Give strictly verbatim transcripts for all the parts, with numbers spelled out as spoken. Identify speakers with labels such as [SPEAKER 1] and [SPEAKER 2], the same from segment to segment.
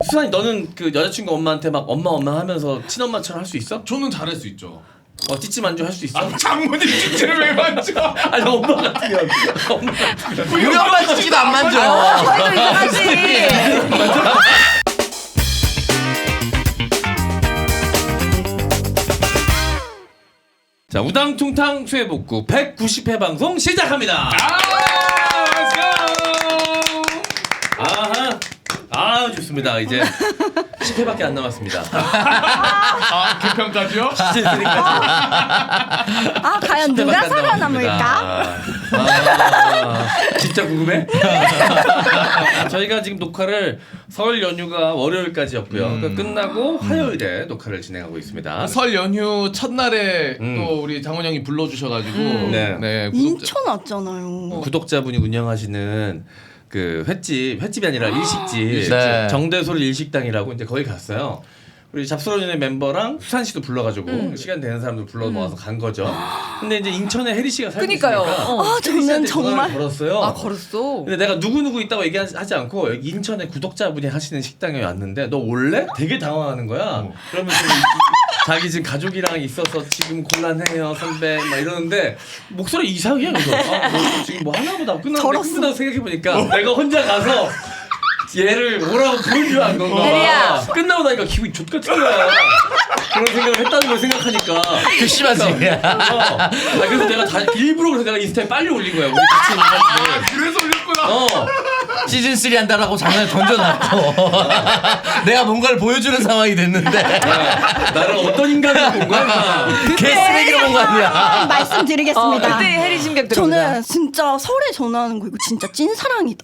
[SPEAKER 1] 수산이 너는 그 여자친구 엄마한테 막 엄마 엄마 하면서 친엄마처럼 할 수 있어?
[SPEAKER 2] 저는 잘할 수 있죠.
[SPEAKER 1] 어 찌찌 만주 할 수 있어?
[SPEAKER 2] 아, 장모님 찌찌를 왜 만져?
[SPEAKER 1] 아니 엄마 같으면 엄마 같으면
[SPEAKER 3] 우리 엄마 찌찌도 안 만져.
[SPEAKER 4] 저희도 이상하지.
[SPEAKER 1] 자 우당퉁탕 수해복구 백구십 회 방송 시작합니다.
[SPEAKER 2] 아, let's go.
[SPEAKER 1] 아하 아 좋습니다. 이제 십 회밖에 안 남았습니다.
[SPEAKER 2] 아, 개편까지요?
[SPEAKER 1] 시즌 삼까지.
[SPEAKER 4] 아 과연 누가 살아남을까?
[SPEAKER 1] 아, 진짜 궁금해? 저희가 지금 녹화를 설 연휴가 월요일까지였고요.
[SPEAKER 2] 음.
[SPEAKER 1] 그러니까 끝나고 화요일에 녹화를 진행하고 있습니다.
[SPEAKER 2] 설 연휴 첫날에
[SPEAKER 1] 음.
[SPEAKER 2] 또 우리 장원 형이 불러주셔가지고
[SPEAKER 4] 음.
[SPEAKER 1] 네.
[SPEAKER 2] 네, 구독자-
[SPEAKER 4] 인천 왔잖아요.
[SPEAKER 1] 구독자분이 운영하시는 그 횟집, 횟집이 아니라 일식집,
[SPEAKER 2] 일식집.
[SPEAKER 3] 네.
[SPEAKER 1] 정대솔 일식당이라고 이제 거기 갔어요. 우리 잡스러운의 멤버랑 수산 씨도 불러가지고
[SPEAKER 4] 음.
[SPEAKER 1] 시간 되는 사람들 불러 모아서 간 거죠. 근데 이제 인천에 혜리 씨가 살고
[SPEAKER 4] 그니까요.
[SPEAKER 1] 있으니까
[SPEAKER 4] 어. 아, 저는
[SPEAKER 1] 혜리 씨한테
[SPEAKER 4] 정말-
[SPEAKER 1] 전화를 걸었어요.
[SPEAKER 4] 아 걸었어.
[SPEAKER 1] 근데 내가 누구누구 있다고 얘기하지 않고 여기 인천에 구독자분이 하시는 식당에 왔는데 너 올래? 되게 당황하는 거야.
[SPEAKER 2] 어.
[SPEAKER 1] 그러면 좀 자기 지금 가족이랑 있어서 지금 곤란해요 선배 막 이러는데 목소리 이상해. 그래서 아, 뭐 지금 뭐 하나 보다 끝났는데
[SPEAKER 4] 절었어.
[SPEAKER 1] 끝나고 생각해보니까 내가 혼자 가서 얘를 뭐라고 부른 줄 안 건가
[SPEAKER 4] 혜리야.
[SPEAKER 1] 봐. 끝나고 나니까 기분이 족같은 거야. 그런 생각을 했다는 걸 생각하니까
[SPEAKER 3] 괘씸하지.
[SPEAKER 1] 어. 아, 그래서 내가 다 일부러 그래서 내가 인스타에 빨리 올린 거야. 우리 같이 있는 사람들.
[SPEAKER 2] 그래서 올렸구나.
[SPEAKER 1] 어.
[SPEAKER 3] 시즌 쓰리 한다라고 장난을 던져놨고 내가 뭔가를 보여주는 상황이 됐는데
[SPEAKER 1] 야, 나를 어떤 인간으로 본 거야?
[SPEAKER 3] 개쓰레기로 본 거 아니야.
[SPEAKER 4] 말씀드리겠습니다.
[SPEAKER 5] 어, 그때 해리 심각 들어온다.
[SPEAKER 4] 저는 진짜 설에 전화하는 거 이거 진짜 찐사랑이다.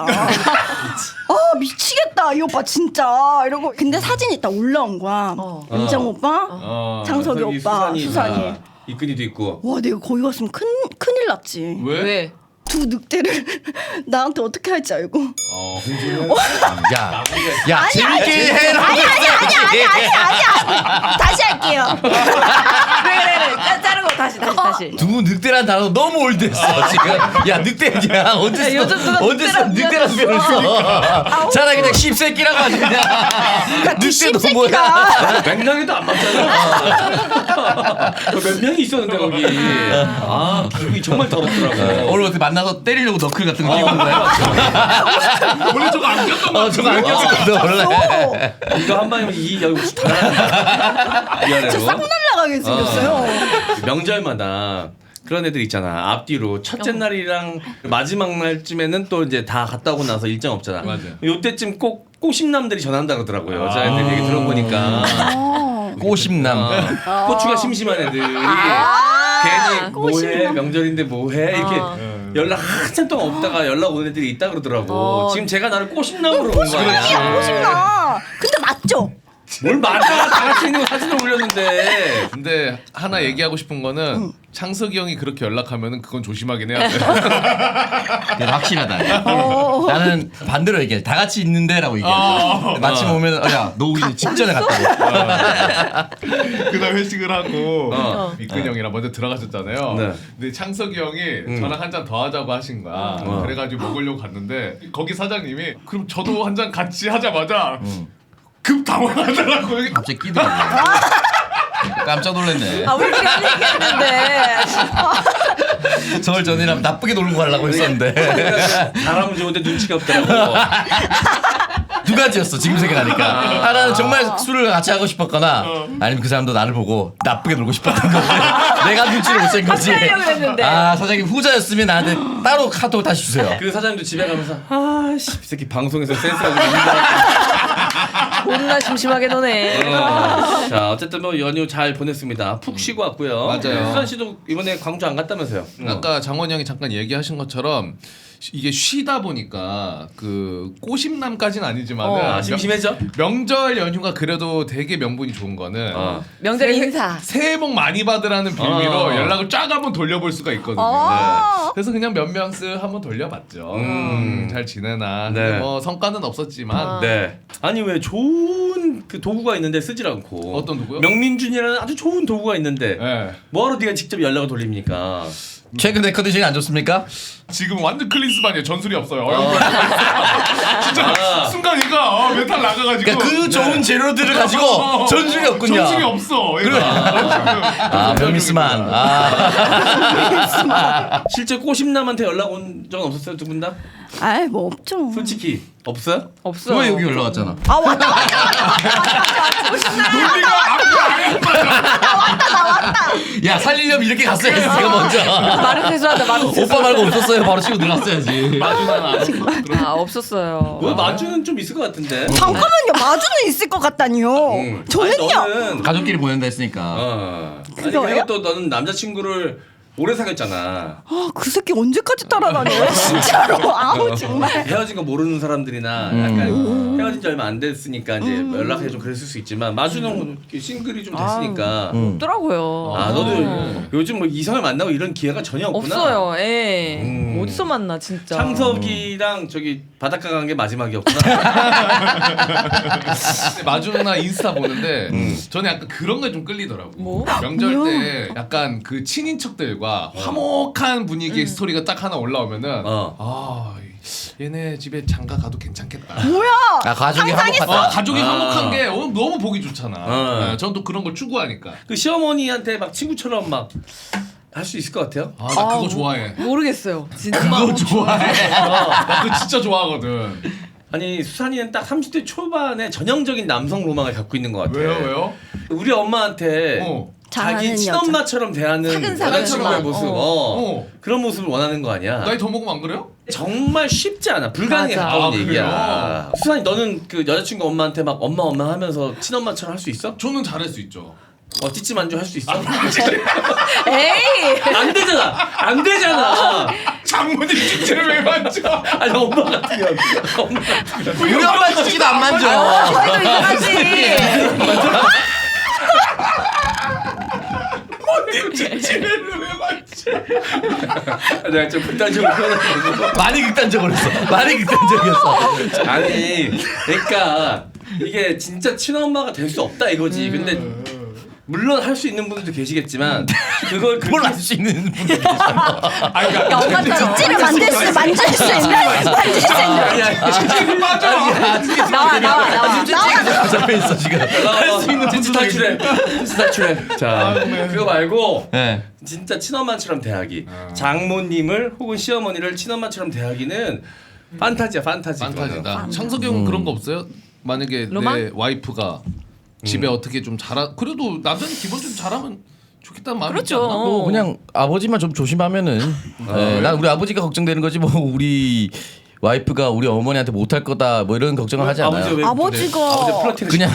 [SPEAKER 4] 아 미치겠다 이 오빠 진짜 이러고 근데 사진이 딱 올라온 거야.
[SPEAKER 5] 어.
[SPEAKER 4] 은정
[SPEAKER 1] 어.
[SPEAKER 4] 오빠,
[SPEAKER 2] 어.
[SPEAKER 4] 장석이
[SPEAKER 1] 저기
[SPEAKER 4] 오빠,
[SPEAKER 1] 수산이
[SPEAKER 4] 수산이.
[SPEAKER 1] 다 이끈이도 있고.
[SPEAKER 4] 와 내가 거기 갔으면 큰 큰일 났지.
[SPEAKER 2] 왜?
[SPEAKER 5] 왜?
[SPEAKER 4] 두 늑대를 나한테 어떻게 할지 알고.
[SPEAKER 1] 어, 홍준은
[SPEAKER 3] 야, 야 재밌게 해라.
[SPEAKER 4] 아니 아니 아니 아니 아니 아니 아니 다시 할게요.
[SPEAKER 5] 그래 그래 그래. 짜- 자르고 다시 다시 다시.
[SPEAKER 3] 두 늑대란 단어 너무 올드했어 지금. 야 늑대냐 언제
[SPEAKER 5] 야,
[SPEAKER 3] 써?
[SPEAKER 5] 요즘 누가
[SPEAKER 3] 언제 써?
[SPEAKER 5] 늑대란
[SPEAKER 3] 늑대란 표현을 써. 차라리 그냥 씹새끼라고 하지 그냥. 늑대도 뭐야?
[SPEAKER 1] 맥락에도 안 맞잖아. 몇 명이 있었는데 거기. 아 기분이 정말 더럽더라고.
[SPEAKER 3] 오늘 어떻게 만나서 때리려고 너클 같은 거 끼고 온 거야?
[SPEAKER 2] 원래 저거 안 꼈던 거
[SPEAKER 3] 어 저거 안 꼈었거든 원래.
[SPEAKER 1] 이거 한 방이면 이 여기 혹시 다 나가. 미안해요.
[SPEAKER 4] 싹 날라가게 생겼어요.
[SPEAKER 1] 명절마다 그런 애들 있잖아. 앞뒤로 첫째 날이랑 마지막 날쯤에는 또 이제 다 갔다 오고 나서 일정 없잖아.
[SPEAKER 2] 맞아요.
[SPEAKER 1] 요때쯤 꼭 꼬심남들이 전한다 그러더라고요. 여자애들 얘기 들어보니까.
[SPEAKER 4] 어.
[SPEAKER 3] 꼬심남.
[SPEAKER 1] 어, 고추가 심심한 애들이 괜히 뭐해 명절인데 뭐해 이렇게 연락 한참 동안 없다가 연락 오는 애들이 있다 그러더라고.
[SPEAKER 5] 어.
[SPEAKER 1] 지금 제가 나를 꼬심남으로 본 거
[SPEAKER 4] 야
[SPEAKER 1] 아니야.
[SPEAKER 4] 꼬신나. 근데 맞죠?
[SPEAKER 1] 뭘 맞아. 다 같이 있는 거 사진을 올렸는데.
[SPEAKER 2] 근데 하나 얘기하고 싶은 거는 창석이 형이 그렇게 연락하면은 그건 조심하긴 해야 돼.
[SPEAKER 3] 그게 확실하다.
[SPEAKER 4] 어.
[SPEAKER 3] 나는 반대로 얘기해. 다 같이 있는데라고 얘기해.
[SPEAKER 2] 어.
[SPEAKER 3] 마침 오면 어, 야, 너 우리 직전에 갔다고.
[SPEAKER 2] 그날 회식을 하고
[SPEAKER 1] 어.
[SPEAKER 2] 미근 형이랑 먼저 들어가셨잖아요.
[SPEAKER 1] 네.
[SPEAKER 2] 근데 창석이 형이
[SPEAKER 1] 음.
[SPEAKER 2] 저랑 한 잔 더 하자고 하신 거야.
[SPEAKER 1] 어.
[SPEAKER 2] 그래가지고 먹으려고 갔는데 거기 사장님이 그럼 저도 한 잔 같이 하자마자
[SPEAKER 3] 응.
[SPEAKER 2] 급 당황하더라고.
[SPEAKER 3] 갑자기 끼더라고. 깜짝 놀랐네.
[SPEAKER 5] 아 우리끼리 한 얘기했는데.
[SPEAKER 3] 설 전이라면 나쁘게 놀고 가려고 했었는데
[SPEAKER 1] 사람은 좋은데 눈치가 없더라고.
[SPEAKER 3] 두 가지였어 지금 생각하니까. 하나는 정말 술을 같이 하고 싶었거나 아니면 그 사람도 나를 보고 나쁘게 놀고 싶었던 거지. 내가 눈치를 못 챈 거지.
[SPEAKER 5] 하려고 했는데.
[SPEAKER 3] 아 사장님 후자였으면 나한테 따로 카톡 다시 주세요.
[SPEAKER 1] 그 사장님도 집에 가면서 아씨 이 새끼 방송에서 센스가 좀 있는
[SPEAKER 5] 존나 심심하게 노네.
[SPEAKER 1] 어. 자 어쨌든 뭐 연휴 잘 보냈습니다. 푹 쉬고 왔고요.
[SPEAKER 2] 맞아요.
[SPEAKER 1] 수산 씨도 이번에 광주 안 갔다면서요?
[SPEAKER 2] 아까 장원 형이 잠깐 얘기하신 것처럼 이게 쉬다 보니까 그 꼬심남까지는 아니지만
[SPEAKER 5] 어.
[SPEAKER 1] 아, 심심해져?
[SPEAKER 2] 명절 연휴가 그래도 되게 명분이 좋은 거는
[SPEAKER 1] 어.
[SPEAKER 5] 명절 인사.
[SPEAKER 2] 새해 복 많이 받으라는 빌미로
[SPEAKER 1] 어.
[SPEAKER 2] 연락을 쫙 한번 돌려볼 수가 있거든요.
[SPEAKER 4] 어.
[SPEAKER 2] 그래서 그냥 몇 명씩 한번 돌려봤죠.
[SPEAKER 1] 음.
[SPEAKER 2] 음, 잘 지내나.
[SPEAKER 1] 네.
[SPEAKER 2] 근데 뭐 성과는 없었지만
[SPEAKER 5] 어.
[SPEAKER 1] 네. 아니 왜 좋은 그 도구가 있는데 쓰질 않고
[SPEAKER 2] 어떤 도구요?
[SPEAKER 1] 명민준이라는 아주 좋은 도구가 있는데
[SPEAKER 2] 네.
[SPEAKER 1] 뭐하러 네가 직접 연락을 돌립니까?
[SPEAKER 3] 최근에 컨디션이 안 좋습니까?
[SPEAKER 2] 지금 완전 클린스반이에요. 전술이 없어요. 얼굴 진짜 순간이가 어, 메탈 나가가지고.
[SPEAKER 3] 그러니까 그 좋은 재료들을 가지고
[SPEAKER 2] 어,
[SPEAKER 3] 전술이 없군요.
[SPEAKER 2] 전술이 없어. 그래.
[SPEAKER 3] 아 명미스만. 아.
[SPEAKER 1] 실제 꼬심남한테 연락 온 적은 없었어요 두 분 다?
[SPEAKER 4] 아이 뭐 없죠.
[SPEAKER 1] 솔직히 없어요?
[SPEAKER 5] 없어.
[SPEAKER 3] 왜 여기 올라왔잖아?
[SPEAKER 4] 아 왔다 왔다
[SPEAKER 2] 논리가 앞으로 안 해.
[SPEAKER 3] 야 살리려면 이렇게 갔어야지 제가 먼저.
[SPEAKER 5] 말은 세수한다. 말은 세수.
[SPEAKER 3] 오빠 말고 없었어요. 바로 치고 들어갔어야지.
[SPEAKER 1] 마주나
[SPEAKER 5] 아 없었어요.
[SPEAKER 1] 왜 마주는 좀 있을 것 같은데?
[SPEAKER 4] 잠깐만요. 마주는 있을 것 같다니요.
[SPEAKER 1] 응.
[SPEAKER 4] 저는요.
[SPEAKER 1] 아니, 너는
[SPEAKER 3] 가족끼리 보낸다 했으니까.
[SPEAKER 1] 어. 아니
[SPEAKER 4] 그거예요?
[SPEAKER 1] 그리고 또 너는 남자친구를 오래 사귀었잖아.
[SPEAKER 4] 아, 그 새끼 언제까지 따라다녀요? 진짜로. 아우 정말.
[SPEAKER 1] 헤어진 거 모르는 사람들이나 약간 헤어진 지 얼마 안 됐으니까 이제 연락해 좀 그랬을 수 있지만 마주는 싱글이 좀 됐으니까.
[SPEAKER 5] 없더라고요.
[SPEAKER 1] 아 너도 요즘 뭐 이성을 만나고 이런 기회가 전혀 없구나.
[SPEAKER 5] 없어요. 예.
[SPEAKER 1] 음.
[SPEAKER 5] 어디서 만나 진짜.
[SPEAKER 1] 창석이랑 저기 바닷가 간 게 마지막이었구나.
[SPEAKER 2] 근데 마주 누나 인스타 보는데 저는 약간 그런 게 좀 끌리더라고.
[SPEAKER 5] 뭐?
[SPEAKER 2] 명절 때 약간 그 친인척들과 화목한 분위기의 스토리가 딱 하나 올라오면은
[SPEAKER 1] 어.
[SPEAKER 2] 아 얘네 집에 장가 가도 괜찮겠다.
[SPEAKER 4] 뭐야?
[SPEAKER 3] 아 가족이
[SPEAKER 2] 어,
[SPEAKER 3] 화목하다.
[SPEAKER 2] 가족이
[SPEAKER 1] 아.
[SPEAKER 2] 화목한 게 어, 너무 보기 좋잖아.
[SPEAKER 1] 어.
[SPEAKER 2] 네, 저는 또 그런 걸 추구하니까.
[SPEAKER 1] 그 시어머니한테 막 친구처럼 막 할 수 있을 것 같아요?
[SPEAKER 2] 아 나 그거
[SPEAKER 5] 아,
[SPEAKER 2] 좋아해.
[SPEAKER 5] 모르겠어요. 진짜.
[SPEAKER 2] 그거 좋아해. 나 그거 진짜 좋아하거든.
[SPEAKER 1] 아니 수산이는 딱 삼십 대 초반에 전형적인 남성 로망을 갖고 있는 것 같아.
[SPEAKER 2] 왜요 왜요?
[SPEAKER 1] 우리 엄마한테
[SPEAKER 2] 어.
[SPEAKER 1] 자기
[SPEAKER 4] 잘하는
[SPEAKER 1] 친엄마처럼 대하는
[SPEAKER 5] 차근차근
[SPEAKER 1] 여자친구의
[SPEAKER 5] 엄마.
[SPEAKER 1] 모습,
[SPEAKER 5] 어.
[SPEAKER 1] 어.
[SPEAKER 2] 어.
[SPEAKER 1] 그런 모습을 원하는 거 아니야?
[SPEAKER 2] 나이 더 먹으면 안 그래요?
[SPEAKER 1] 정말 쉽지 않아. 불가능에
[SPEAKER 5] 맞아.
[SPEAKER 1] 가까운
[SPEAKER 2] 아,
[SPEAKER 1] 얘기야.
[SPEAKER 2] 그래요?
[SPEAKER 1] 수산이 너는 그 여자친구 엄마한테 막 엄마 엄마 하면서 친엄마처럼 할 수 있어?
[SPEAKER 2] 저는 잘할 수 있죠.
[SPEAKER 1] 어 찌찌 만주 할 수 있어?
[SPEAKER 5] 에이.
[SPEAKER 1] 안 되잖아. 안 되잖아.
[SPEAKER 2] 장모님 찌찌를 왜 만져?
[SPEAKER 1] 아니 엄마 같으면 엄마 같으면
[SPEAKER 3] 우리 엄마 찌찌도 안 만져.
[SPEAKER 5] 저희도 이상하지.
[SPEAKER 2] 찌찌를 왜 만져?
[SPEAKER 1] 내가 좀 극단적으로 표현하고
[SPEAKER 3] 많이 극단적으로 했어. 많이 극단적이었어.
[SPEAKER 1] 아니 그러니까 이게 진짜 친엄마가 될 수 없다 이거지. 근데 물론 할 수 있는 분들도 계시겠지만 그걸 그렇게
[SPEAKER 3] 뭘 할 수 있는 분들 계시잖아.
[SPEAKER 2] 아니 그러니까
[SPEAKER 5] 엄마처럼.
[SPEAKER 4] 찌를 만들 수 만질 수 있는 만질 수 있는.
[SPEAKER 1] 아니 아니
[SPEAKER 2] 찌찌를 맞아.
[SPEAKER 5] 나와 나와 나와.
[SPEAKER 3] 잡혀 있어 지금.
[SPEAKER 1] 할 수 있는 찌찌 탈출해. 찌찌 탈출해. 자 그거 말고
[SPEAKER 3] 네.
[SPEAKER 1] 진짜 친엄마처럼 대하기. 장모님을 혹은 시어머니를 친엄마처럼 대하기는 판타지야 판타지.
[SPEAKER 2] 판타지다. 창석이 형 그런 거 없어요? 만약에
[SPEAKER 5] 로망?
[SPEAKER 2] 내 와이프가 집에 어떻게 좀 잘하 그래도 남자는 기본 좀 잘하면 좋겠다는 마음이 있지
[SPEAKER 5] 그렇죠.
[SPEAKER 2] 않나?
[SPEAKER 3] 뭐 그냥 아버지만 좀 조심하면은. 네, 난 우리 아버지가 걱정되는 거지 뭐 우리 와이프가 우리 어머니한테 못할 거다 뭐 이런 걱정을 하지 않아요.
[SPEAKER 1] 아버지가 왜
[SPEAKER 4] 아버지가
[SPEAKER 1] 아버지 플러팅
[SPEAKER 3] 그냥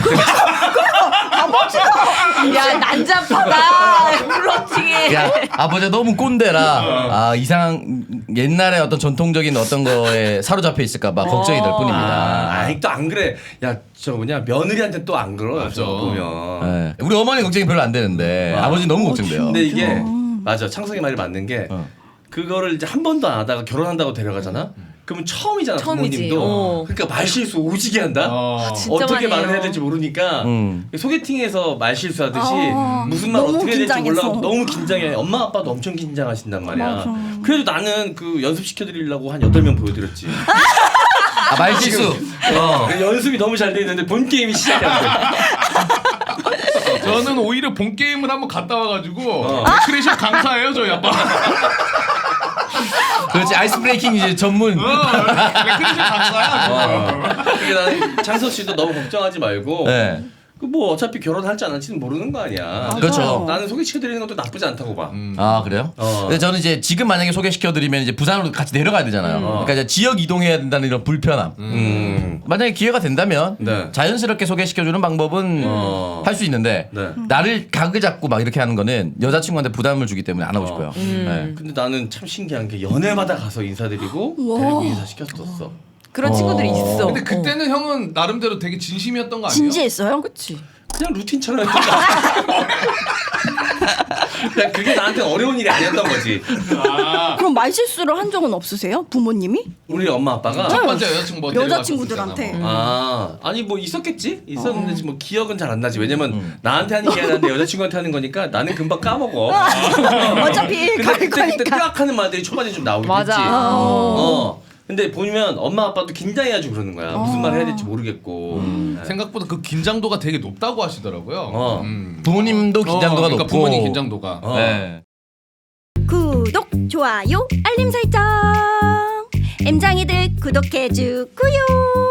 [SPEAKER 5] 야 난잡하다. 플러팅에.
[SPEAKER 3] 야 아버지가 너무 꼰대라 아 이상 옛날에 어떤 전통적인 어떤 거에 사로잡혀 있을까봐 걱정이 될
[SPEAKER 1] 아,
[SPEAKER 3] 뿐입니다.
[SPEAKER 1] 아니 또 안 그래. 야 저 뭐냐 며느리한테 또 안 그러.
[SPEAKER 2] 맞아.
[SPEAKER 1] 보면.
[SPEAKER 3] 네. 우리 어머니 걱정이 별로 안 되는데 아버지 너무 걱정돼요.
[SPEAKER 1] 근데 이게 맞아. 창석이 말이 맞는 게
[SPEAKER 3] 어.
[SPEAKER 1] 그거를 이제 한 번도 안 하다가 결혼한다고 데려가잖아. 그러면 처음이잖아
[SPEAKER 5] 처음이지.
[SPEAKER 1] 부모님도.
[SPEAKER 5] 어.
[SPEAKER 1] 그러니까 말실수 오지게 한다.
[SPEAKER 2] 어.
[SPEAKER 5] 진짜
[SPEAKER 1] 어떻게
[SPEAKER 5] 많이
[SPEAKER 1] 말을
[SPEAKER 5] 해요.
[SPEAKER 1] 해야 될지 모르니까
[SPEAKER 3] 음.
[SPEAKER 1] 소개팅에서 말실수하듯이
[SPEAKER 4] 아,
[SPEAKER 1] 무슨 말
[SPEAKER 4] 너무
[SPEAKER 1] 어떻게 해야 될지
[SPEAKER 4] 긴장해서.
[SPEAKER 1] 몰라서 너무 긴장해. 엄마 아빠도 엄청 긴장하신단 말이야.
[SPEAKER 4] 맞아.
[SPEAKER 1] 그래도 나는 그 연습시켜드리려고 한 여덟 명 보여드렸지.
[SPEAKER 3] 아, 말실수. 어.
[SPEAKER 1] 연습이 너무 잘 돼 있는데 본 게임이 시작이 안 돼.
[SPEAKER 2] 저는 오히려 본 게임을 한번 갔다 와가지고
[SPEAKER 1] 어.
[SPEAKER 2] 레크레이션 강사예요 저희 아빠.
[SPEAKER 3] 그렇지 아이스 브레이킹 이제 전문.
[SPEAKER 2] 어, 레크레이션 강사야.
[SPEAKER 1] 어. 그게 나는 창석 씨도 너무 걱정하지 말고
[SPEAKER 3] 네.
[SPEAKER 1] 그 뭐 어차피 결혼할지 안 할지는 모르는 거 아니야.
[SPEAKER 3] 그렇죠.
[SPEAKER 1] 나는 소개시켜드리는 것도 나쁘지 않다고 봐.
[SPEAKER 2] 음.
[SPEAKER 3] 아 그래요?
[SPEAKER 1] 어.
[SPEAKER 3] 근데 저는 이제 지금 만약에 소개시켜드리면 이제 부산으로 같이 내려가야 되잖아요. 그러니까 이제 지역 이동해야 된다는 이런 불편함.
[SPEAKER 1] 음.
[SPEAKER 3] 만약에 기회가 된다면
[SPEAKER 1] 네.
[SPEAKER 3] 자연스럽게 소개시켜주는 방법은
[SPEAKER 1] 어.
[SPEAKER 3] 할 수 있는데
[SPEAKER 1] 네.
[SPEAKER 3] 나를 각을 잡고 막 이렇게 하는 거는 여자친구한테 부담을 주기 때문에 안 하고 싶어요. 네.
[SPEAKER 1] 근데 나는 참 신기한 게 연애마다 가서 인사드리고 데리고 인사시켰었어.
[SPEAKER 5] 그런 친구들이 있어.
[SPEAKER 2] 근데 그때는 형은 나름대로 되게 진심이었던 거 아니에요?
[SPEAKER 4] 진지했어요?
[SPEAKER 5] 그렇지.
[SPEAKER 1] 그냥 루틴처럼 했던 거 같아. 그냥 그게 나한테 어려운 일이 아니었던 거지.
[SPEAKER 2] 아,
[SPEAKER 4] 그럼 말실수를 한 적은 없으세요? 부모님이?
[SPEAKER 1] 우리 엄마 아빠가
[SPEAKER 2] 첫 번째 여자친구 뭐
[SPEAKER 4] 여자친구들한테.
[SPEAKER 2] 데려갔었잖아, 뭐.
[SPEAKER 1] 아 아니 뭐 있었겠지 있었는데 지금 뭐 기억은 잘 안 나지 왜냐면 나한테 하는 게 아니라 내 여자친구한테 하는 거니까 나는 금방 까먹어.
[SPEAKER 4] 어차피
[SPEAKER 1] 근데
[SPEAKER 4] 갈
[SPEAKER 1] 그때 그때
[SPEAKER 4] 거니까.
[SPEAKER 1] 딱 하는 말들이 초반에 좀 나오긴
[SPEAKER 5] 맞아.
[SPEAKER 1] 했지.
[SPEAKER 5] 어.
[SPEAKER 1] 어. 근데 보면 엄마 아빠도 긴장해가지고 그러는 거야. 무슨 말 해야 될지 모르겠고. 네.
[SPEAKER 2] 생각보다 그 긴장도가 되게 높다고 하시더라고요.
[SPEAKER 1] 어.
[SPEAKER 2] 음.
[SPEAKER 3] 부모님도 긴장도가
[SPEAKER 2] 어, 그러니까
[SPEAKER 3] 높고
[SPEAKER 2] 부모님 긴장도가.
[SPEAKER 1] 어.
[SPEAKER 3] 네.
[SPEAKER 4] 구독, 좋아요, 알림 설정. 엠장이들 구독해주고요.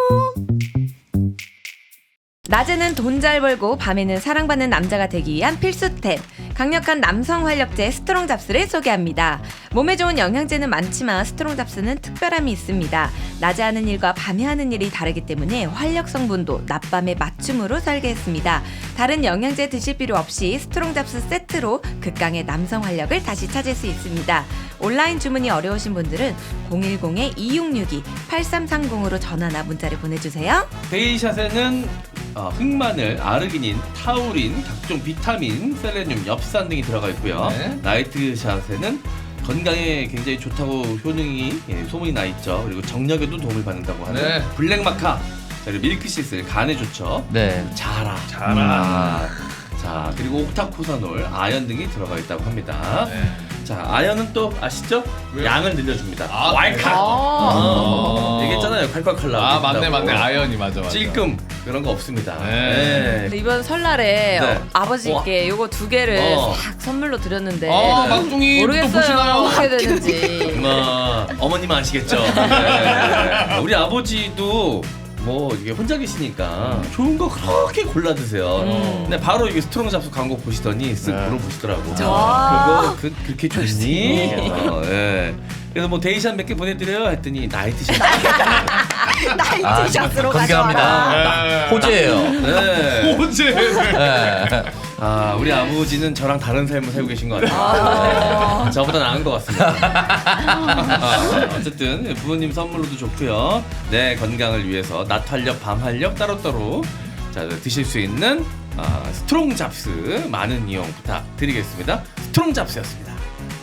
[SPEAKER 5] 낮에는 돈 잘 벌고 밤에는 사랑받는 남자가 되기 위한 필수템 강력한 남성 활력제 스트롱 잡스를 소개합니다. 몸에 좋은 영양제는 많지만 스트롱 잡스는 특별함이 있습니다. 낮에 하는 일과 밤에 하는 일이 다르기 때문에 활력 성분도 낮밤에 맞춤으로 설계했습니다. 다른 영양제 드실 필요 없이 스트롱 잡스 세트로 극강의 남성 활력을 다시 찾을 수 있습니다. 온라인 주문이 어려우신 분들은 공일공 이육육이 팔삼삼공으로 전화나 문자를 보내주세요.
[SPEAKER 1] 데이샷에는 어, 흑마늘, 아르기닌, 타우린, 각종 비타민, 셀레늄, 엽산 등이 들어가 있고요.
[SPEAKER 2] 네.
[SPEAKER 1] 나이트샷에는 건강에 굉장히 좋다고 효능이 예, 소문이 나 있죠. 그리고 정력에도 도움을 받는다고 하는
[SPEAKER 2] 네.
[SPEAKER 1] 블랙마카, 그리고 밀크시슬, 간에 좋죠.
[SPEAKER 3] 네.
[SPEAKER 1] 자라,
[SPEAKER 2] 자라.
[SPEAKER 1] 자 그리고 옥타코사놀, 아연 등이 들어가 있다고 합니다.
[SPEAKER 2] 네.
[SPEAKER 1] 자 아연은 또 아시죠?
[SPEAKER 2] 왜요?
[SPEAKER 1] 양을 늘려줍니다.
[SPEAKER 2] 아,
[SPEAKER 1] 왈칵.
[SPEAKER 5] 아.
[SPEAKER 1] 어, 얘기했잖아요. 콸콸콸라.
[SPEAKER 2] 아 맞네 맞네 아연이 맞아 맞아.
[SPEAKER 1] 찔끔 그런 거 없습니다.
[SPEAKER 2] 네.
[SPEAKER 5] 근데 이번 설날에
[SPEAKER 1] 네.
[SPEAKER 5] 어, 아버지께 요거 두 개를
[SPEAKER 1] 어.
[SPEAKER 5] 싹 선물로 드렸는데
[SPEAKER 2] 아 막둥이 또
[SPEAKER 5] 모르겠어요
[SPEAKER 2] 보시나요?
[SPEAKER 5] 어떻게 되는지.
[SPEAKER 1] 뭐 어머님은 아시겠죠. 네. 우리 아버지도 뭐 이게 혼자 계시니까 좋은 거 그렇게 골라 드세요.
[SPEAKER 5] 음.
[SPEAKER 1] 근데 바로 이게 스트롱 잡수 광고 보시더니 쓱
[SPEAKER 3] 네.
[SPEAKER 1] 물어보시더라고.
[SPEAKER 5] 와.
[SPEAKER 1] 그거 그, 그렇게 좋니? 어, 예. 그래서 뭐 데이샷 몇 개 보내드려요 했더니 나이트샷.
[SPEAKER 4] 나이트샷으로
[SPEAKER 3] 건강합니다.
[SPEAKER 4] 가져와라.
[SPEAKER 2] 네.
[SPEAKER 3] 호재예요.
[SPEAKER 1] 네.
[SPEAKER 2] 호재.
[SPEAKER 3] 네.
[SPEAKER 1] 아 우리 아버지는 저랑 다른 삶을 살고 계신 것 같아요. 네. 저보다 나은 것 같습니다. 아, 어쨌든 부모님 선물로도 좋고요. 내 건강을 위해서 낮 활력, 밤 활력 따로따로 자 드실 수 있는 아, 스트롱 잡스 많은 이용 부탁드리겠습니다. 스트롱 잡스였습니다.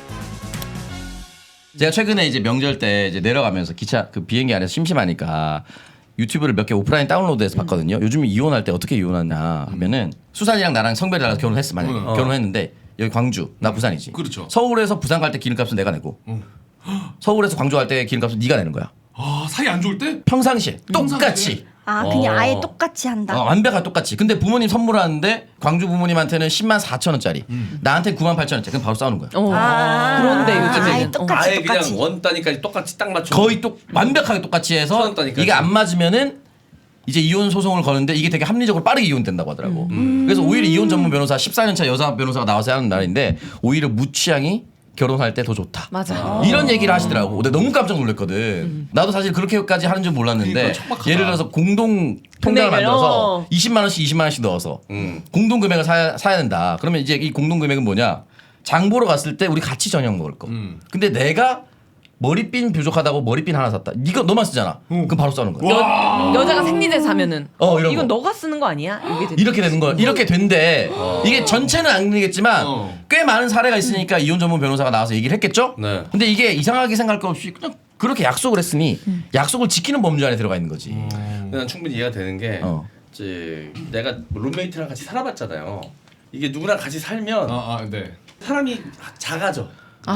[SPEAKER 3] 제가 최근에 이제 명절 때 이제 내려가면서 기차 그 비행기 안에서 심심하니까 유튜브를 몇 개 오프라인 다운로드해서 봤거든요. 요즘 이혼할 때 어떻게 이혼하냐 하면은 수산이랑 나랑 성별이 달라서 결혼했어 만약에
[SPEAKER 2] 음.
[SPEAKER 3] 결혼했는데 여기 광주 나 부산이지.
[SPEAKER 2] 그렇죠.
[SPEAKER 3] 서울에서 부산 갈 때 기름값은 내가 내고 서울에서 광주 갈 때 기름값은 네가 내는 거야.
[SPEAKER 2] 아 사이 안 좋을 때?
[SPEAKER 3] 평상시에
[SPEAKER 2] 평상시에?
[SPEAKER 3] 똑같이.
[SPEAKER 4] 아 그냥
[SPEAKER 1] 어.
[SPEAKER 4] 아예 똑같이 한다.
[SPEAKER 3] 어, 완벽하게 똑같이. 근데 부모님 선물하는데 광주 부모님한테는 십만 사천 원짜리, 나한테 구만 팔천 원짜리. 그럼 바로 싸우는 거야.
[SPEAKER 5] 어.
[SPEAKER 4] 아,
[SPEAKER 5] 그런데
[SPEAKER 4] 아예
[SPEAKER 5] 요즘에는
[SPEAKER 4] 똑같이
[SPEAKER 1] 아예
[SPEAKER 4] 똑같이.
[SPEAKER 1] 그냥 원 단위까지 똑같이 딱 맞춰.
[SPEAKER 3] 거의 똑 완벽하게 똑같이
[SPEAKER 1] 천
[SPEAKER 3] 해서
[SPEAKER 1] 원 단위까지.
[SPEAKER 3] 이게 안 맞으면은 이제 이혼 소송을 거는데 이게 되게 합리적으로 빠르게 이혼된다고 하더라고. 그래서 오히려 이혼 전문 변호사 십사 년 차 여자 변호사가 나와서 하는 날인데 오히려 무취향이 결혼할 때 더 좋다.
[SPEAKER 5] 맞아.
[SPEAKER 3] 이런 얘기를 하시더라고. 근데 너무 깜짝 놀랐거든. 나도 사실 그렇게까지 하는 줄 몰랐는데
[SPEAKER 2] 그러니까 척박하다.
[SPEAKER 3] 예를 들어서 공동 통장을
[SPEAKER 5] 금액을,
[SPEAKER 3] 만들어서
[SPEAKER 5] 어.
[SPEAKER 3] 이십만 원씩 이십만 원씩 넣어서
[SPEAKER 1] 음.
[SPEAKER 3] 공동 금액을 사야, 사야 된다. 그러면 이제 이 공동 금액은 뭐냐? 장 보러 갔을 때 우리 같이 저녁 먹을 거.
[SPEAKER 2] 음.
[SPEAKER 3] 근데 내가 머리핀 부족하다고 머리핀 하나 샀다. 이거 너만 쓰잖아. 그럼 바로 싸우는 거야.
[SPEAKER 5] 여, 여자가 생리대 사면은
[SPEAKER 3] 어, 이런
[SPEAKER 5] 이건
[SPEAKER 3] 거.
[SPEAKER 5] 너가 쓰는 거 아니야? 이게 되-
[SPEAKER 3] 이렇게 되는 거야. 이렇게 된대. 이게 전체는 아니겠지만
[SPEAKER 2] 어.
[SPEAKER 3] 꽤 많은 사례가 있으니까 이혼 전문 변호사가 나와서 얘기를 했겠죠.
[SPEAKER 1] 네.
[SPEAKER 3] 근데 이게 이상하게 생각할 거 없이 그냥 그렇게 약속을 했으니 약속을 지키는 범주 안에 들어가 있는 거지.
[SPEAKER 1] 난 충분히 이해가 되는 게
[SPEAKER 3] 어.
[SPEAKER 1] 이제 내가 룸메이트랑 같이 살아봤잖아요. 이게 누구랑 같이 살면
[SPEAKER 2] 아, 아 네.
[SPEAKER 1] 사람이 작아져.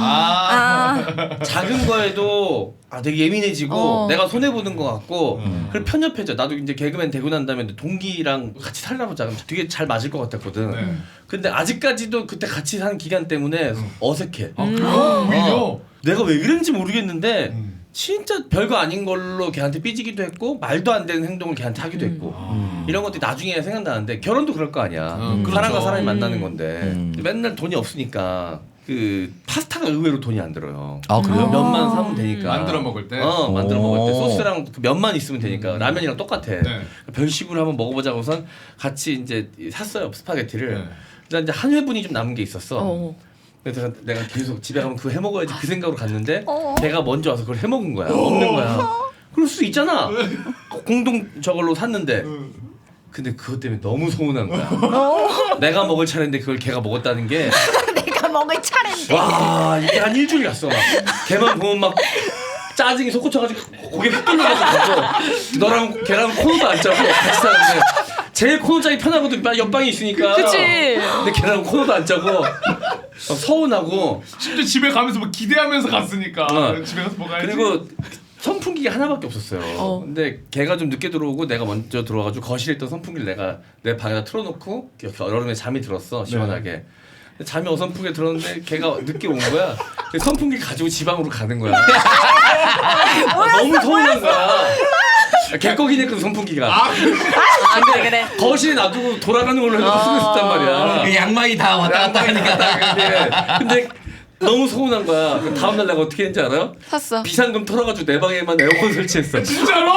[SPEAKER 2] 아.
[SPEAKER 1] 작은 거에도 아 되게 예민해지고
[SPEAKER 5] 어.
[SPEAKER 1] 내가 손해 보는 것 같고 그리고 편협해져. 나도 이제 개그맨 되고 난 다음에 동기랑 같이 살다 보자. 그럼 되게 잘 맞을 것 같았거든.
[SPEAKER 2] 네.
[SPEAKER 1] 근데 아직까지도 그때 같이 사는 기간 때문에 어색해.
[SPEAKER 2] 아 그래요? 오히려.
[SPEAKER 1] 어. 내가 왜 그런지 모르겠는데
[SPEAKER 2] 음.
[SPEAKER 1] 진짜 별거 아닌 걸로 걔한테 삐지기도 했고 말도 안 되는 행동을 걔한테 하기도 했고 이런 것들이 나중에 생각나는데 결혼도 그럴 거 아니야.
[SPEAKER 2] 음, 그렇죠.
[SPEAKER 1] 사람과 사람이 만나는 건데
[SPEAKER 3] 음.
[SPEAKER 1] 맨날 돈이 없으니까 그 파스타가 의외로 돈이 안 들어요.
[SPEAKER 3] 아 그래요?
[SPEAKER 1] 면만 사면 되니까.
[SPEAKER 2] 만들어 먹을 때?
[SPEAKER 1] 어 만들어 먹을 때
[SPEAKER 3] 오.
[SPEAKER 1] 소스랑 그 면만 있으면 되니까 라면이랑 똑같아.
[SPEAKER 2] 네.
[SPEAKER 1] 별식으로 한번 먹어보자고선 같이 이제 샀어요 스파게티를.
[SPEAKER 2] 네.
[SPEAKER 1] 그래서 이제 한 회분이 좀 남은 게 있었어.
[SPEAKER 5] 어.
[SPEAKER 1] 그래서 내가 계속 집에 가면 그거 해 먹어야지 그 생각으로 갔는데
[SPEAKER 4] 어.
[SPEAKER 1] 걔가 먼저 와서 그걸 해 먹은 거야. 없는 거야. 그럴 수 있잖아. 공동 저걸로 샀는데. 근데 그것 때문에 너무 서운한 거야. 내가 먹을 차례인데 그걸 걔가 먹었다는 게
[SPEAKER 4] 내가 먹을 차례인데.
[SPEAKER 1] 와 이게 한 일주일 갔어. 막 걔만 보면 막 짜증이 솟구쳐가지고 고개 흑돌려가지고 가서 너랑 걔랑 코너도 안 짜고 같이 사는데 제일 코너 짜기 편하거든. 옆방이 있으니까.
[SPEAKER 5] 그치.
[SPEAKER 1] 근데 걔랑 코너도 안 짜고 막 서운하고
[SPEAKER 2] 심지어 집에 가면서 뭐 기대하면서 갔으니까
[SPEAKER 1] 어.
[SPEAKER 2] 집에 가서 먹어야지.
[SPEAKER 1] 그리고 선풍기가 하나밖에 없었어요.
[SPEAKER 5] 어.
[SPEAKER 1] 근데 걔가 좀 늦게 들어오고 내가 먼저 들어와가지고 거실에 있던 선풍기를 내가 내 방에다 틀어놓고 여름에 잠이 들었어 시원하게. 근데 잠이 어선풍기에 들었는데 걔가 늦게 온 거야. 그래서 선풍기 가지고 지방으로 가는 거야. 아, 너무 서운한 거야. 걔 거기네 그 선풍기가.
[SPEAKER 5] 아 그래 그래.
[SPEAKER 1] 거실에 놔두고 돌아가는 걸로 해서 쓰고 있었단 말이야.
[SPEAKER 3] 그 양말이 다 왔다 갔다 하니까.
[SPEAKER 1] 근데, 근데 너무 서운한 거야. 그 다음날 내가 어떻게 했는지 알아요?
[SPEAKER 5] 샀어.
[SPEAKER 1] 비상금 털어가지고 내 방에만 에어컨 설치했어.
[SPEAKER 2] 진짜로?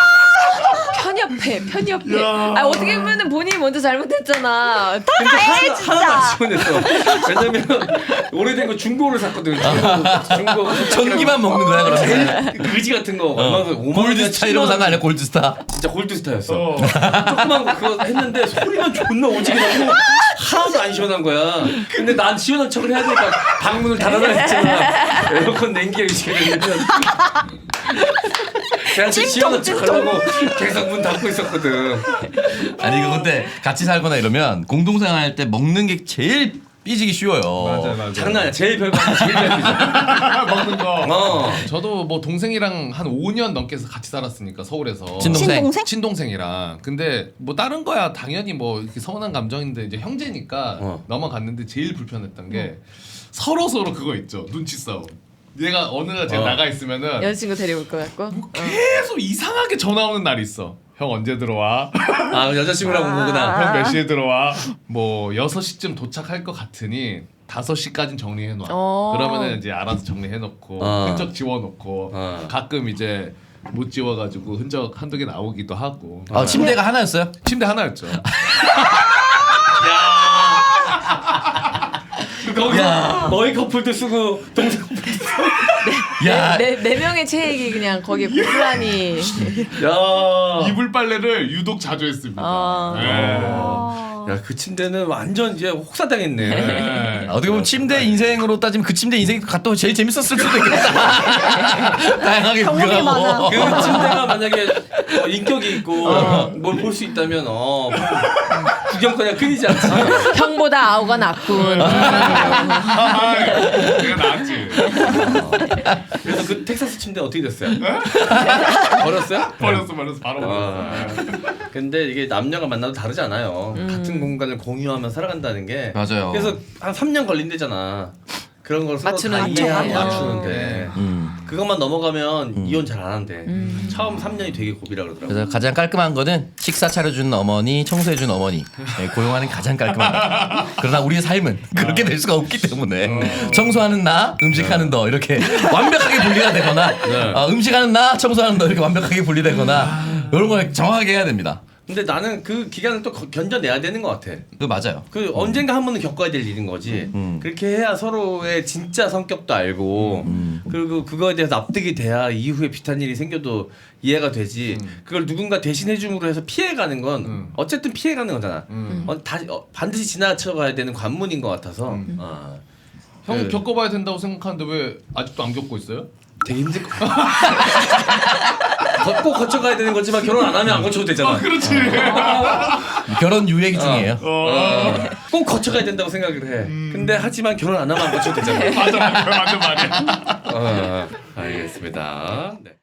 [SPEAKER 5] 편협해 편협해. 아 어떻게 보면은 본인이 먼저 잘못했잖아.
[SPEAKER 1] 근데 하나, 하나도 안 시원했어. 왜냐면 오래된 거 중고를 샀거든. 중고, 중고
[SPEAKER 3] 전기만 먹는 거야 그러면.
[SPEAKER 1] 제일 의지 같은 거 얼마 전 오만 원이나
[SPEAKER 3] 골드스타 이런 거 산 거 아니야 골드스타?
[SPEAKER 1] 진짜 골드스타였어.
[SPEAKER 2] 어.
[SPEAKER 1] 조그만 거 그거 했는데 소리만 존나 오지게 나고 하나도 안 시원한 거야. 근데 난 시원한 척을 해야 되니까 방문을 닫아놔 했잖아. 에어컨 냉기가 의지가 되면 걔한테 시원한 척 하려고 계속 문 닫고 있었거든.
[SPEAKER 3] 아니 이거 근데 같이 살거나 이러면 공동생활할 때 먹는 게 제일 삐지기 쉬워요.
[SPEAKER 2] 맞아 맞아.
[SPEAKER 1] 장난 아니야. 제일 별거 아니야. 제일 별거죠.
[SPEAKER 2] 먹는 거.
[SPEAKER 1] 어.
[SPEAKER 2] 저도 뭐 동생이랑 한 오 년 넘게 같이 살았으니까 서울에서.
[SPEAKER 3] 친동생.
[SPEAKER 4] 친동생?
[SPEAKER 2] 친동생이랑. 근데 뭐 다른 거야 당연히 뭐 이렇게 서운한 감정인데 이제 형제니까
[SPEAKER 1] 어.
[SPEAKER 2] 넘어갔는데 제일 불편했던 게 서로 서로 그거 있죠. 눈치 싸움. 얘가 어느 날 제가
[SPEAKER 1] 어.
[SPEAKER 2] 나가 있으면은
[SPEAKER 5] 여자친구 데려올 것 같고.
[SPEAKER 2] 뭐 계속 이상하게 전화 오는 날이 있어. 형 언제 들어와?
[SPEAKER 1] 아 여자친구랑 온 거구나.
[SPEAKER 2] 형 몇 시에 들어와? 뭐 여섯 시쯤 도착할 것 같으니 다섯 시까진 정리해 놔.
[SPEAKER 5] 어.
[SPEAKER 2] 그러면은 이제 알아서 정리해 놓고
[SPEAKER 1] 어.
[SPEAKER 2] 흔적 지워 놓고
[SPEAKER 1] 어.
[SPEAKER 2] 가끔 이제 못 지워 가지고 흔적 한두 개 나오기도 하고.
[SPEAKER 3] 아 침대가 하나였어요?
[SPEAKER 2] 침대 하나였죠.
[SPEAKER 1] 거기서 너희 커플도 쓰고 동생 커플도 쓰고.
[SPEAKER 3] 야
[SPEAKER 5] 네, 네 명의 체액이 그냥 거기에 고스란히.
[SPEAKER 1] 야.
[SPEAKER 2] 이불 빨래를 유독 자주 했습니다.
[SPEAKER 5] 아.
[SPEAKER 2] 네.
[SPEAKER 1] 야 그 침대는 완전 이제 혹사당했네.
[SPEAKER 2] 네.
[SPEAKER 3] 어떻게 보면 침대 인생으로 따지면 그 침대 인생이 갔다 제일 재밌었을 수도 있겠다. 다양하게
[SPEAKER 4] 경험이 많아.
[SPEAKER 3] 구경하고.
[SPEAKER 1] 그 침대가 만약에 어, 인격이 있고 뭘 볼 수 있다면 어 구경거리가 끊이지 않지.
[SPEAKER 5] 형보다 아우가 낫군.
[SPEAKER 2] 아, 내가 나왔지.
[SPEAKER 1] 그래서 그 텍사스 침대 어떻게 됐어요? 버렸어요?
[SPEAKER 2] 버렸어 버렸어 바로
[SPEAKER 1] 아.
[SPEAKER 2] 버렸어.
[SPEAKER 1] 근데 이게 남녀가 만나도 다르지 않아요. 같은 공간을 공유하며 살아간다는 게.
[SPEAKER 3] 맞아요.
[SPEAKER 1] 그래서 한 삼 년 걸린대잖아. 그런 걸 서로
[SPEAKER 5] 맞추는
[SPEAKER 1] 다
[SPEAKER 5] 게.
[SPEAKER 1] 이해하고
[SPEAKER 5] 어.
[SPEAKER 1] 맞추는데
[SPEAKER 3] 음.
[SPEAKER 1] 그것만 넘어가면 이혼 잘 안 한대. 처음 삼 년이 되게 고비라 그러더라고.
[SPEAKER 3] 그래서 가장 깔끔한 거는 식사 차려주는 어머니, 청소해주는 어머니 네, 고용하는 게 가장 깔끔하다. 그러나 우리의 삶은 그렇게 될 수가 없기 때문에 청소하는 나, 음식하는 너 이렇게 완벽하게 분리가 되거나
[SPEAKER 1] 네.
[SPEAKER 3] 어, 음식하는 나, 청소하는 너 이렇게 완벽하게 분리되거나 이런 걸 정확하게 해야 됩니다.
[SPEAKER 1] 근데 나는 그 기간을 또 거- 견뎌내야 되는 것 같아.
[SPEAKER 3] 그 맞아요.
[SPEAKER 1] 그 언젠가 한 번은 겪어야 될 일인 거지.
[SPEAKER 3] 음.
[SPEAKER 1] 그렇게 해야 서로의 진짜 성격도 알고 그리고 그거에 대해서 납득이 돼야 이후에 비슷한 일이 생겨도 이해가 되지. 그걸 누군가 대신해 줌으로 해서 피해가는 건
[SPEAKER 2] 음.
[SPEAKER 1] 어쨌든 피해가는 거잖아.
[SPEAKER 2] 음.
[SPEAKER 1] 어, 다, 어, 반드시 지나쳐가야 되는 관문인 것 같아서 어,
[SPEAKER 2] 형
[SPEAKER 1] 그
[SPEAKER 2] 겪어봐야 된다고 생각하는데 왜 아직도 안 겪고 있어요?
[SPEAKER 1] 되게 힘들 거. 꼭 거쳐가야 되는 거지만 결혼 안 하면 안 거쳐도 되잖아.
[SPEAKER 2] 그렇지.
[SPEAKER 3] 결혼 유예기 중이에요.
[SPEAKER 1] 어, 꼭 거쳐가야 된다고 생각을 해. 근데 하지만 결혼 안 하면 안 거쳐도 되잖아.
[SPEAKER 2] 맞아 맞아 맞는 말이야.
[SPEAKER 1] 어, 알겠습니다. 네.